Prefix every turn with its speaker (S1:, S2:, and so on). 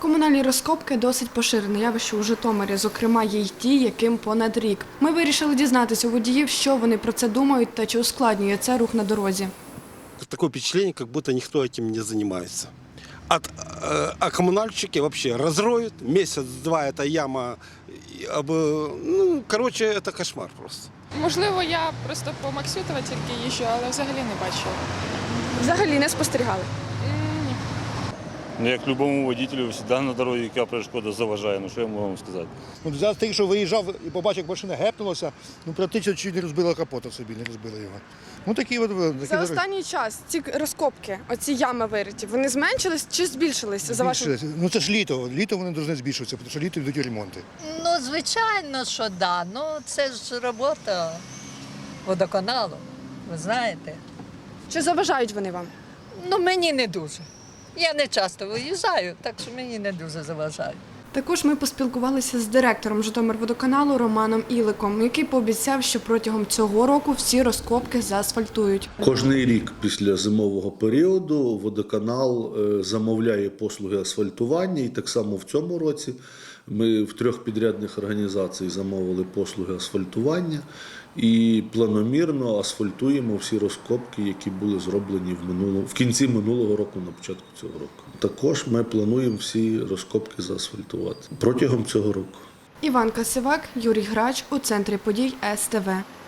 S1: Комунальні розкопки – досить поширене явище у Житомирі, зокрема є й ті, яким понад рік. Ми вирішили дізнатися у водіїв, що вони про це думають та чи ускладнює це рух на дорозі.
S2: Такое впечатление, как будто никто этим не занимается. А коммунальщики вообще разроют, месяц-два эта яма, это кошмар просто.
S3: Можливо, я просто по Максютова тільки їжджу, але взагалі не бачила.
S1: Взагалі не спостерігали?
S3: Ні.
S4: Ну, як любому водителю, завжди на дорозі яка перешкода заважає, ну що я можу вам сказати.
S5: За те, що виїжджав і побачив, як машина гепнулася, практично чуть не розбила капота собі, не розбила його.
S1: За останній час ці розкопки, оці ями вириті, вони зменшились чи збільшились? За вашим?
S5: Це ж літо. Літо вони повинні збільшуватися, тому що літо йдуть ремонти.
S6: Ну, звичайно, що да. Ну, це ж робота водоканалу, ви знаєте.
S1: Чи заважають вони вам?
S6: Ну, мені не дуже. Я не часто виїжджаю, так що мені не дуже заважають.
S1: Також ми поспілкувалися з директором Житомирводоканалу Романом Іликом, який пообіцяв, що протягом цього року всі розкопки заасфальтують.
S7: Кожний рік після зимового періоду водоканал замовляє послуги асфальтування, і так само в цьому році ми в 3 підрядних організацій замовили послуги асфальтування і планомірно асфальтуємо всі розкопки, які були зроблені в кінці минулого року, на початку цього року. Також ми плануємо всі розкопки заасфальтувати протягом цього року.
S1: Іванка Сивак, Юрій Грач у центрі подій СТВ.